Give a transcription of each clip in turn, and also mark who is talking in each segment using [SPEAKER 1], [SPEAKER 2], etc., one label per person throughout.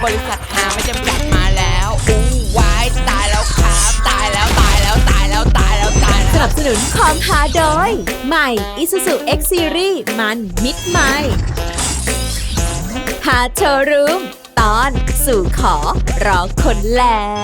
[SPEAKER 1] บริษัทหาไม่จำกัดมาแล้วอู้วายตายแล้วครับตายแล้วตายแล้วตายแล้วตายแล้วตายแล้ว
[SPEAKER 2] สนับสนุนความฮาโดยใหม่ Isuzu X Series มันมิดใหม่หาโชว์รูมตอนสู่ขอรอคนแล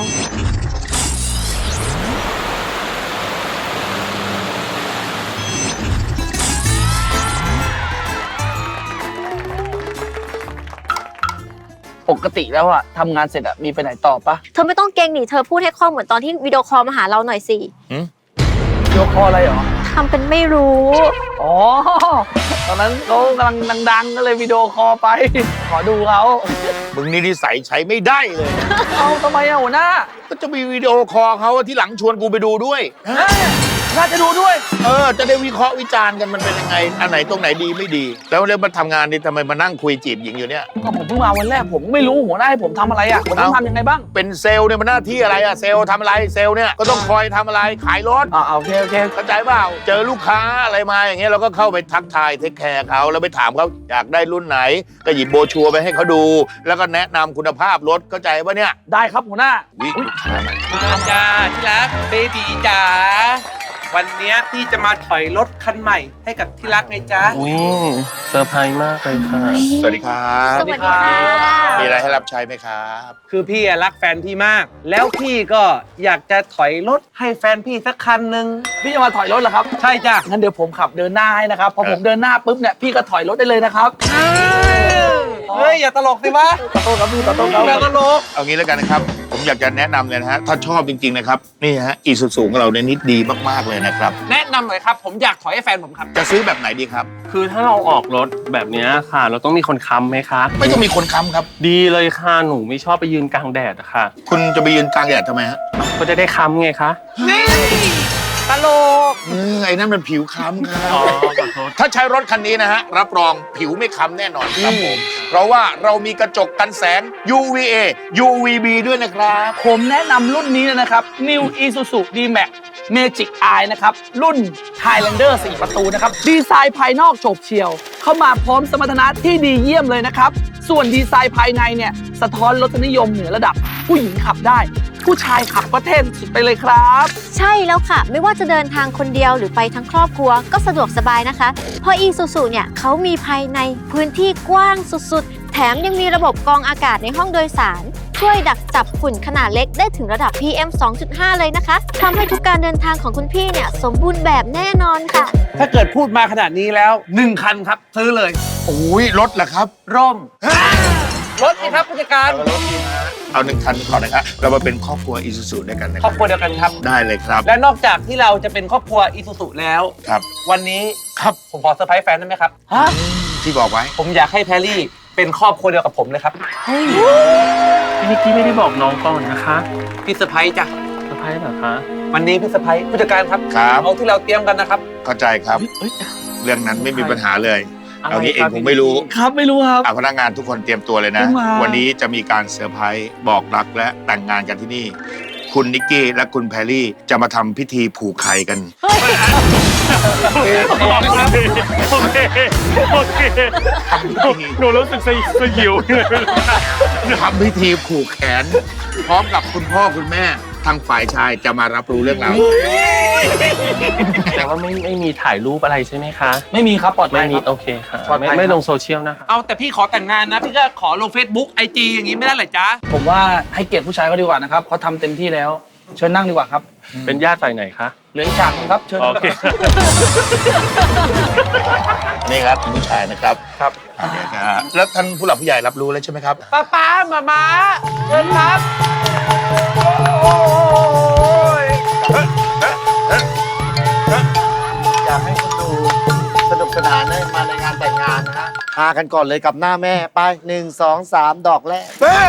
[SPEAKER 3] ปกติแล้วอะทำงานเสร็จอะมีไปไหนต่อปะ
[SPEAKER 4] เธอไม่ต้องเก่งนี่เธอพูดให้คล่องเหมือนตอนที่วิดีโอคอลมาหาเราหน่อยสิ
[SPEAKER 3] วิดีโอคอลอะไรหรอ
[SPEAKER 4] ทำเป็นไม่รู้
[SPEAKER 3] อ๋อตอนนั้นเขากำลังดังๆก็เลยวิดีโอคอลไปขอดูเขา
[SPEAKER 5] มึงนี่นิสัยใช้ไม่ได้เลย
[SPEAKER 3] เอาทำไมอะหัวหน้า
[SPEAKER 5] ก็จะมีวิดีโอคอลเขาที่หลังชวนกูไปดูด้วย
[SPEAKER 3] น่าจะดูด้วย
[SPEAKER 5] จะได้วิเคราะห์วิจารณ์กันมันเป็นยังไงอันไหนตรงไหนดีไม่ดีแล้วมาทำงานนี่ทำไมมานั่งคุยจีบหญิงอยู่เนี่ย
[SPEAKER 3] ก็ผมเพิ่งมาวันแรกผมไม่รู้หัวหน้าให้ผมทำอะไรอะผมต้องทำยังไงบ้าง
[SPEAKER 5] เป็นเซลล์เนี่ยมันหน้าที่อะไรอะเซลล์ทำอะไรเซลล์เนี่ยก็ต้องคอยทำอะไรขายรถ
[SPEAKER 3] โอเค
[SPEAKER 5] เข้าใจเปล่าเจอลูกค้าอะไรมาอย่างเงี้ยเราก็เข้าไปทักทายเทคแคร์เขาแล้วไปถามเขาอยากได้รุ่นไหนก็หยิบโบชัวร์ไปให้เขาดูแล้วก็แนะนำคุณภาพรถเข้าใจป่ะเนี่ย
[SPEAKER 3] ได้ครับหัวหน้า
[SPEAKER 6] มาจ้าที่รักเบบีจ๋าวันนี้พี่จะมาถอยรถคันใหม่ให้กับที่รักไงจ๊ะ
[SPEAKER 7] เซอร์ไพรส์มากเลยค่ะ
[SPEAKER 5] สวัสดีครับ
[SPEAKER 4] สวัสดีค่ะ
[SPEAKER 5] มีอะไรให้รับใช้ไหมครับ
[SPEAKER 6] คือพี่รักแฟนพี่มากแล้วพี่ก็อยากจะถอยรถให้แฟนพี่สักคันหนึ่ง
[SPEAKER 3] พี่จะมาถอยรถเหรอครับ
[SPEAKER 6] ใช่จ้ะ
[SPEAKER 3] งั้นเดี๋ยวผมขับเดินหน้าให้นะครับพอผมเดินหน้าปุ๊บเนี่ยพี่ก็ถอยรถได้เลยนะครับ
[SPEAKER 6] เฮ้ยอย่าตลกสิวะ
[SPEAKER 3] ขอโทษครับพี่ขอโทษครับ
[SPEAKER 6] อย่าตลก
[SPEAKER 5] เอางี้แล้วกันนะครับผมอยากจะแนะนำเลยนะฮะถ้าชอบจริงๆนะครับนี่ฮะอีซูซูของเราเนี่ยนิดดีมากๆเลยนะครับ
[SPEAKER 6] แนะนำหน่อยครับผมอยากถอยให้แฟนผมครับ
[SPEAKER 5] จะซื้อแบบไหนดีครับ
[SPEAKER 7] คือถ้าเราออกรถแบบนี้ค่ะเราต้องมีคนค้ำไหมคะ
[SPEAKER 5] ไม่ต้องมีคนค้ำครับ
[SPEAKER 7] ดีเลยค่ะหนูไม่ชอบไปยืนกลางแดดอะค่ะ
[SPEAKER 5] คุณจะไปยืนกลางแดดทำไมฮะ
[SPEAKER 7] ก็จะได้ค้ำไงคะ
[SPEAKER 6] นี่ตลก
[SPEAKER 5] ไอ้นั่นมันผิวค้ำครับถ้าใช้รถคันนี้นะฮะรับรองผิวไม่ค้ำแน่นอนครับผมเพราะว่าเรามีกระจกกันแสง UVA UVB ด้วยนะครับ
[SPEAKER 3] ผมแนะนำรุ่นนี้นะครับ New Isuzu D-Max Magic Eye นะครับรุ่น Highlander 4 ประตูนะครับดีไซน์ภายนอกโฉบเฉี่ยวเข้ามาพร้อมสมรรถนะที่ดีเยี่ยมเลยนะครับส่วนดีไซน์ภายในเนี่ยสะท้อนรสนิยมเหนือระดับผู้หญิงขับได้ผู้ชายขับก็เท่สุดไปเลยครับ
[SPEAKER 4] ใช่แล้วค่ะไม่ว่าจะเดินทางคนเดียวหรือไปทั้งครอบครัวก็สะดวกสบายนะคะเพราะ Isuzu เนี่ยเขามีภายในพื้นที่กว้างสุดๆแถมยังมีระบบกรองอากาศในห้องโดยสารช่วยดักจับฝุ่นขนาดเล็กได้ถึงระดับ PM 2.5 เลยนะคะทำให้ทุกการเดินทางของคุณพี่เนี่ยสมบูรณ์แบบแน่นอนค่ะ
[SPEAKER 6] ถ้าเกิดพูดมาขนาดนี้แล้ว1คันครับซื้อเลย
[SPEAKER 5] โอ้ยรถเหรอครับ
[SPEAKER 6] ร่มรถนี่ครับผู้จัดการ
[SPEAKER 5] เอา1 คันก่อนนะครับเรามาเป็นครอบครัวอีซูซูด้วยกันนะ
[SPEAKER 6] ครอบครัวเดียวกันครับ
[SPEAKER 5] ได้เลยครับ
[SPEAKER 6] และนอกจากที่เราจะเป็นครอบครัวอีซูซูแล้ว
[SPEAKER 5] ครับ
[SPEAKER 6] วันนี้
[SPEAKER 5] ครับ
[SPEAKER 6] ผมขอเซอร์ไพรส์แฟนได้ไหมครับ
[SPEAKER 5] ที่บอกไว้
[SPEAKER 6] ผมอยากให้แพรรี่เป็นครอบครัวเดียวกับผมเลยครับ
[SPEAKER 7] พี่นิกกี้ไม่ได้บอกน้องก่อนนะคะ
[SPEAKER 6] พี่เซอร์ไพรส์จ้ะ
[SPEAKER 7] เซอร์ไพรส์เหรอคะ
[SPEAKER 6] วันนี้พี่เซอร์ไพรส์ผู้จัดการครับเอาที่เราเตรียมกันนะครับ
[SPEAKER 5] เข้าใจครับเรื่องนั้นไม่มีปัญหาเลยเอางี้เองผมไม่รู้
[SPEAKER 3] ครับไม่รู้ครับ
[SPEAKER 5] พนักงานทุกคนเตรียมตัวเลยนะวันนี้จะมีการเซอร์ไพรส์บอกรักและแต่งงานกันที่นี่คุณนิกกี้และคุณแพรรี่จะมาทำพิธีผูกไข่กัน
[SPEAKER 7] โอเคหนูรู้สึกสยิว
[SPEAKER 5] ทำพิธีผูกแขนพร้อมกับคุณพ่อคุณแม่ทางฝ่ายชายจะมารับรู้เรื่องราว
[SPEAKER 7] แต่ว่าไม่มีถ่ายรูปอะไรใช่ไหมคะ
[SPEAKER 3] ไม่มีครับปลอดภัยครับ
[SPEAKER 7] โอเคค่ะไม่ลงโซเชียลนะคะ
[SPEAKER 6] เอาแต่พี่ขอแต่งงานนะพี่ก็ขอลง Facebook IG อย่างนี้ไม่ได้เหรอจ๊ะ
[SPEAKER 3] ผมว่าให้เกียรติผู้ชายเขาดีกว่านะครับเขาทำเต็มที่แล้วเชิญนั่งดีกว่าครับ
[SPEAKER 7] เป็นญาติฝ่ายไหนคะ
[SPEAKER 3] เหลืออีกฉากนึงครับเชิญ
[SPEAKER 7] โอเค
[SPEAKER 5] นี่ครับผู้ชายนะครับครับแล้วท่านผู้หลักผู้ใหญ่รับรู้แล้วใช่ไหมครับ
[SPEAKER 6] ป้ามาเชิญครับ
[SPEAKER 8] อยากให้คนดูสนุกสนานได้มาในงานแต่งงานนะฮะพากันก่อนเลยกับหน้าแม่ไป1 2 3ดอกแรก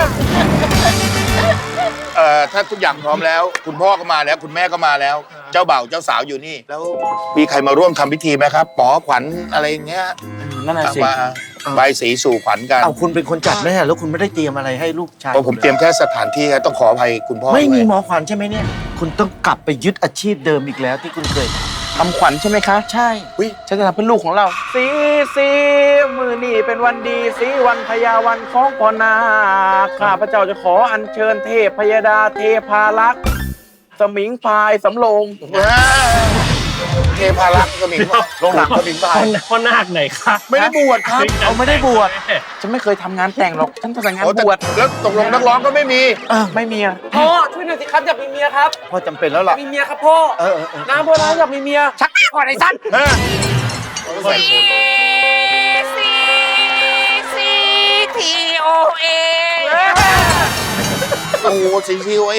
[SPEAKER 5] ถ้าทุกอย่างพร้อมแล้วคุณพ่อก็มาแล้วคุณแม่ก็มาแล้วเจ้าบ่าวเจ้าสาวอยู่นี่แล้วมีใครมาร่วมทำพิธีไหมครับป๋อขวัญอะไรอย่างเงี้ย
[SPEAKER 3] นั่นแหละสิ
[SPEAKER 5] มาใบสีสู่ขวัญกัน
[SPEAKER 8] เอาคุณเป็นคนจัดแม่แล้วคุณไม่ได้เตรียมอะไรให้ลูกชาย
[SPEAKER 5] ผมเตรียมแค่สถานที่ครับต้องขออภัยคุณพ่อ
[SPEAKER 8] ไม่มีหมอขวัญใช่ไหมเนี่ยคุณต้องกลับไปยึดอาชีพเดิมอีกแล้วที่คุณเคย
[SPEAKER 3] คำขวัญใช่ไหมคะ ใช่ฉันจะทำเพื่อลูกของเราสีมือนี่เป็นวันดีสีวันพญาวันของพ่อนาคข้าพเจ้าจะขออัญเชิญเทพพยดาเทพารักษ์สมิงพรายสำโรง
[SPEAKER 5] เทพารักษ์ก็มีโรงหนังก็มีไป
[SPEAKER 7] พ่อนาคไหนคะ
[SPEAKER 5] ไม่ได้บวชครับ
[SPEAKER 3] เอาไม่ได้บวชฉันไม่เคยทำงานแต่งหรอกฉันทำแต่งานบวช
[SPEAKER 5] แล้วตกลงนักร้องก็ไม่มี
[SPEAKER 3] ไม่มีอะ
[SPEAKER 6] พ่อช่วยหน่อยสิครับอยากมีเมียครับ
[SPEAKER 8] พ่อจำเป็นแล้วล่ะ
[SPEAKER 6] มีเมียครับพ่อน้ำพ่อน้ำอยากมีเมียชักก่อนไอ้สั้น
[SPEAKER 1] CTOA
[SPEAKER 5] โอ้CCOA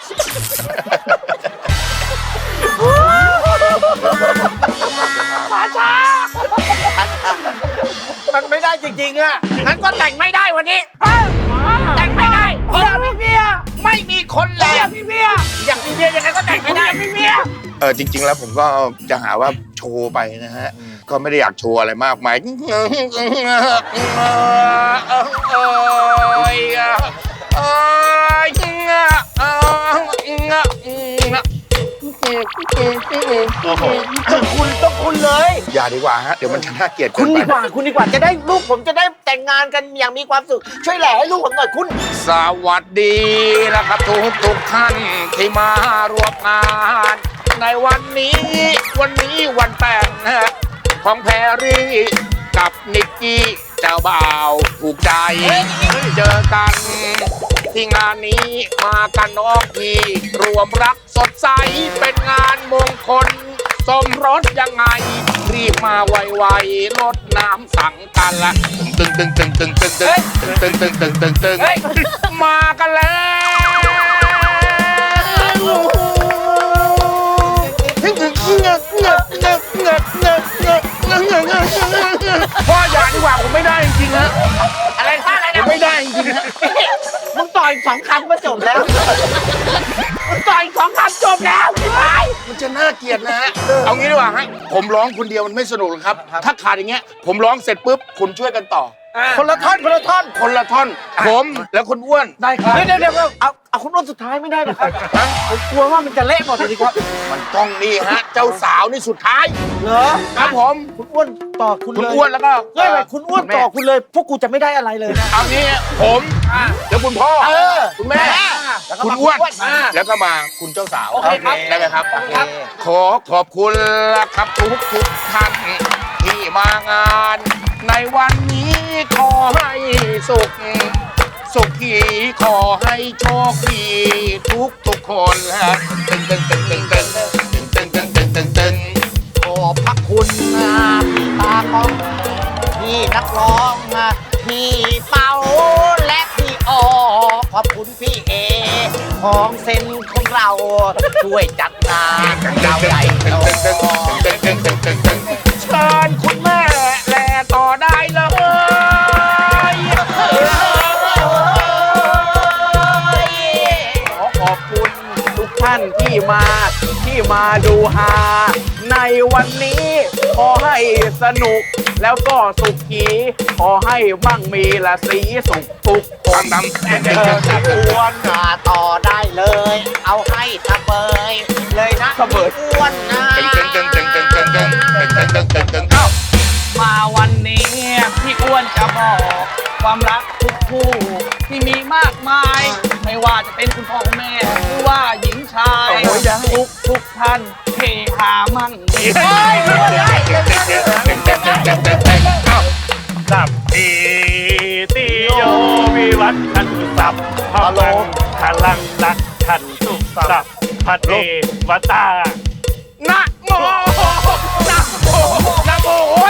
[SPEAKER 8] มันไม่ได้จริงๆอ่ะ
[SPEAKER 1] งั้นก็แต่งไม่ได้วันนี้ แต่งไม่ได้อยากมีเมียไม่มีคนแล้วอยากมีเมียยังไงก็แต่งไม่ได้อยากมีเมีย
[SPEAKER 5] จริง ๆ แล้วผมก็จะหาว่าโชว์ไปนะฮะ ก็ไม่ได้อยากโชว์อะไรมากมาย
[SPEAKER 8] ต้องคุณเลย
[SPEAKER 5] อย่าดีกว่าฮะ เดี๋ยวมันจะน่าเกลียดเกิ
[SPEAKER 8] คุณ
[SPEAKER 5] น
[SPEAKER 8] ดี
[SPEAKER 5] ไป
[SPEAKER 8] กว่าคุณดีกว่าจะได้ลูกผมจะได้แต่งงานกันอย่างมีความสุขช่วยแหล่ให้ลูกผมหน่อยคุณ
[SPEAKER 5] สวัสดีนะครับทุกท่านที่มารวมงาน ในวันนี้วันแต่งของแพรรี่กับนิกกี้เจ้าบ่าวถูกใจเจอกันที่งานนี้มากันน้องพี่รวมรักสดใสเป็นงานมงคลสมรสยังไงรีบมาไวๆลดน้ำสั่งกันละตึงมากันแล้วพ่ออย่าดีกว่าผมไม่ได้จริงๆฮะ
[SPEAKER 1] อะไรท่าอะไร
[SPEAKER 5] ผม
[SPEAKER 1] นะ
[SPEAKER 5] ไม่ได้จริงๆฮะ
[SPEAKER 8] มึงต่อย2 ครั้งก็จบแล้ว
[SPEAKER 1] ต่อย2 คำจบแล้วพี่ไม้
[SPEAKER 5] มันจะน่าเกลียดนะฮะเอางี้ดีกว่าฮะผมร้องคนเดียวมันไม่สนุกหรอกครับ ถ้าขาดอย่างเงี้ยผมร้องเสร็จปุ๊บคุณช่วยกันต่อ
[SPEAKER 8] คนละท่อนคนละท่อน
[SPEAKER 5] คนละท่อน ผมแล้วคุณอ้วน
[SPEAKER 3] ได้ครับ
[SPEAKER 8] เดี๋ยวเอาคุณอ้นสุดท้ายไม่ได้หรอครับผมกลัวว่ามันจะเละหมดเลยครับ
[SPEAKER 5] มันต้องนี่ฮะ เจ้าสาวนี่สุดท้าย
[SPEAKER 8] เหรอ
[SPEAKER 5] ครับผม
[SPEAKER 8] คุณอ้วนต่อคุณ
[SPEAKER 5] คุณ
[SPEAKER 8] เลย
[SPEAKER 5] อ้วนแล้วก็
[SPEAKER 8] เฮ้ยคุณอ้วนต่อคุณเลย พวกกูจะไม่ได้อะไรเลยนะ
[SPEAKER 5] เอางี้ผมแล้วคุณพ่อคุณแม่คุณอ้วนแล้วก็มาคุณเจ้าสาว
[SPEAKER 8] โอเคครับ
[SPEAKER 5] ได้ไหมครับ ขอขอบคุณละครับทุกท่านที่มางาน ในวันนี้ขอให้สุขีขอให้โชคดีทุกคนตึง
[SPEAKER 8] ขอบพระคุณพี่ตากล้องพี่นักร้องพี่เปาและพี่ออขอบคุณพี่เอของเซนของเราช่วยจัดงานเราใหญ่โต
[SPEAKER 5] เชิญคุณแม่แลต่อได้เลย
[SPEAKER 3] ขอขอบคุณทุกท่านที่มาดูฮาในวันนี้ขอให้สนุกแล้วก็สุขีขอให้มั่งมีละสีสุขทุกคน
[SPEAKER 8] อ้วนต่อได้เลย เอาให้สะเบยเลยนะอ้วนนะ
[SPEAKER 3] มาวันนี้พี่อ้วนจะบอกความรักทุกคู่ที่มีมากมาย ไม่ว่าจะเป็นคุณพ่อคุณแม่หรือว่าหญิงชายทุกท่านเฮฮามั่งมี
[SPEAKER 7] สับทีติโยวิวัฒน์ขันตุสับพะโลพลังรักขันตุสับพะเทวตา
[SPEAKER 5] นะโมโอ้ย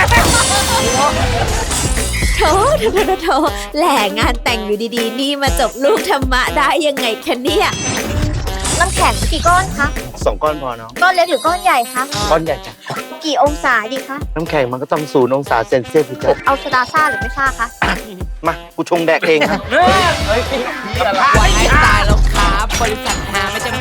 [SPEAKER 2] โถแหล่งานแต่งอยู่ดีๆ นี่มาจบลูกธรรมะได้ยังไงคะเนี่ย
[SPEAKER 4] น้ำแข็งกี่ก้อนคะ
[SPEAKER 8] 2 ก้อนพอเนาะ
[SPEAKER 4] ก้อนเล็กหรือก้อนใหญ่คะ
[SPEAKER 8] ก้อนใหญ่จ้ะ
[SPEAKER 4] กี่องศาดีคะ
[SPEAKER 8] น้ำแข็งมันก็ต้อง0 องศาเซนเซียสสิจ้ะ
[SPEAKER 4] เอาโซดาซ่าหรือไม่ซ่าคะ
[SPEAKER 8] มากูชงแดกเองครับ
[SPEAKER 1] ไว้ตายแล้วครับ บริษัทหาไม่จะ